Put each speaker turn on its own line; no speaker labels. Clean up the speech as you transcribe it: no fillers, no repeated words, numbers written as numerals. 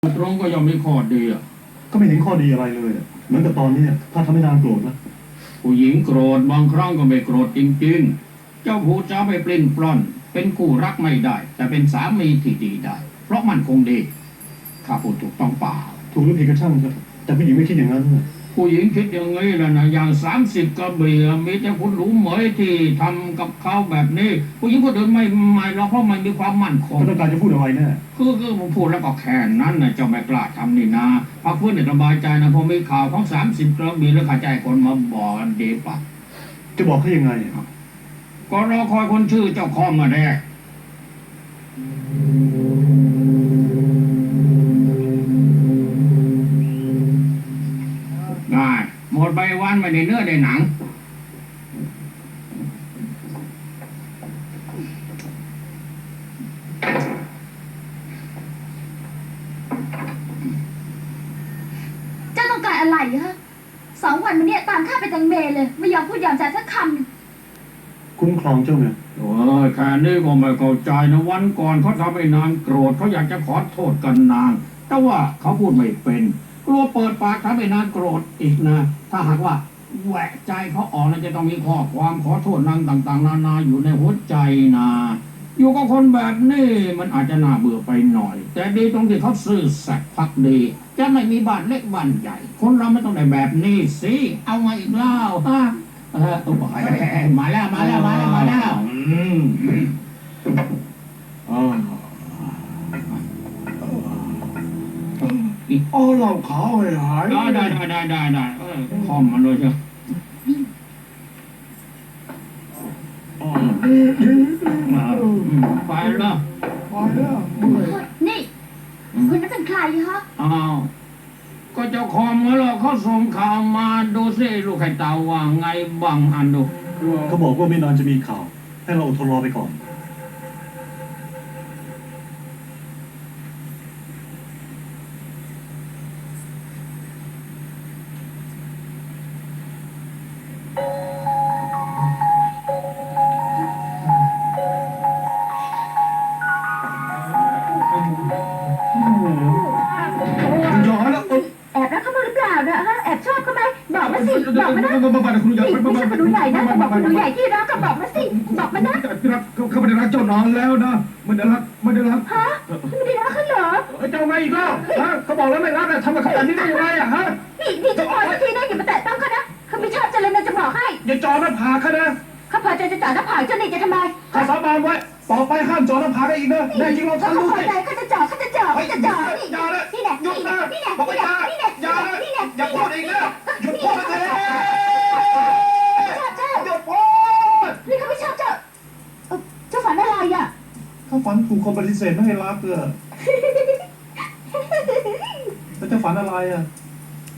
ตรงก็ย่อมมีข้อดีอ่ะ
ก็ไม่เห็นข้อดีอะไรเลยเหมือนกับตอนนี้ถ้าทำให้นางโกรธนะ
ผู้หญิงโกรธบางครั้งก็ไม่โกรธจริงๆเจ้าผู้จะไม่ปลิ้นปล้อนเป็นคู่รักไม่ได้ แต่เป็นสามีที่ดีได้ เพราะมันคงดีข้าพูดถูกต้องเปล่า
ถูกหรือผิดก็ช่างครับแต่ผู้หญิงไม่คิดอย่างนั้นนะ
ผู้หญิงคิดอย่างนี้แหละนะอย่าง30 กระเบียมีแต่คุณหลูเหมยที่ทำกับเขาแบบนี้ผู้หญิงคนอื่นไม่หรอกเพราะมันมีความมั่นคง
ก็ต้องการจะพูดอะไรแน่
คือผมพูดแล้วก็แค่นั้นนะเจ้าไม่กล้าทำนี่นะพักเพื่อนสบายใจนะพอมีข่าวของ30 กระเบียแล้วข้าใจคนมาบอกกันดีปะ
จะบอกเขายังไงครับ
ก็รอคอยคนชื่อเจ้าคอมมาแน่ง่ายหมดใบวันไม่ได้เนื้อได้หนัง
เจ้าต้องการอะไรฮะ2 วันมาเนี้ยตามข้าไปตังเมเลยไม่ยอมพูดยอมจาสักคำ
คุ้มครองเจ้าไง
โอ้ยแค่นี้ก็ไม่เข้าใจนะวันก่อนเขาทำให้นางโกรธเขาอยากจะขอโทษกันนางแต่ว่าเขาพูดไม่เป็นกลัวเปิดปากทำให้นางโกรธอีกนะถ้าหากว่าแหวกใจเขาออกนะจะต้องมีข้อความขอโทษนางต่างๆนานาอยู่ในหัวใจนะอยู่กับคนแบบนี้มันอาจจะน่าเบื่อไปหน่อยแต่ดีตรงที่เขาซื่อสัตย์พักดีจะไม่มีบ้านเล็กบ้านใหญ่คนเราไม่ต้องได้แบบนี้สิเอามาอีกเล่าฮะมาแล้ว
อ๋อเราขาวหาย
ได้คอมมันเลยเชียวไปแล้ว
นี่คุณนั้นเป็นใครฮะ
อ้าวก็เจ้าคอมมาแล้วเขาส่งข่าวมาดูสิลูกไข่เต่าว่าไงบ้างอ่านดู
เขาบอกว่าไม่นานจะมีข่าวให้เราอดทนรอไปก่อนย้อนแล้ว
แอบรักเขาหรือเปล่านะฮะแอบชอบเขาไหมบอกมาสิบอกมานะไม่ใช่คนดูใหญ่นะบอกคนดูใหญ่ที่รักก็บอกมาสิบอกมานะ
รักเขาไม่ได้รักเจ้านานแล้วนะไม่ได้รัก
ฮะไม่ได้รักเขาเหรอ
เจ้าไงอีกแล้วฮะเขาบอกแล้วไม่รักทำกับเขาแบบนี้ได้ยังไงอะฮะ
นี่จะปล่อยสักทีนะอย่ามาแตะต้องเขานะเขาไม่ชอบจะเลยนะจะบอกให้
อย่าจอหน้าผากเขานะ
เขาพอใจจะจ่าหน้าผากเจ้านี่จะทำไม
ข้าสาบานไว้ต่อไปห้ามจอหน้าผากได้อีกนะแน่จริงเราทำดูสิ
เขาจะจ่อนี่แหละ
หยุดนะบอกว่าอย่าอย่าพูดอีกนะหยุดพูดเลยหยุดพูด
นี่เขาไม่ชอบเจ้าฝันอะไรอ่ะ
ถ้าฝันถูกคนปฏิเสธไม่ให้รักแล้วจะฝันอะไรอ่ะ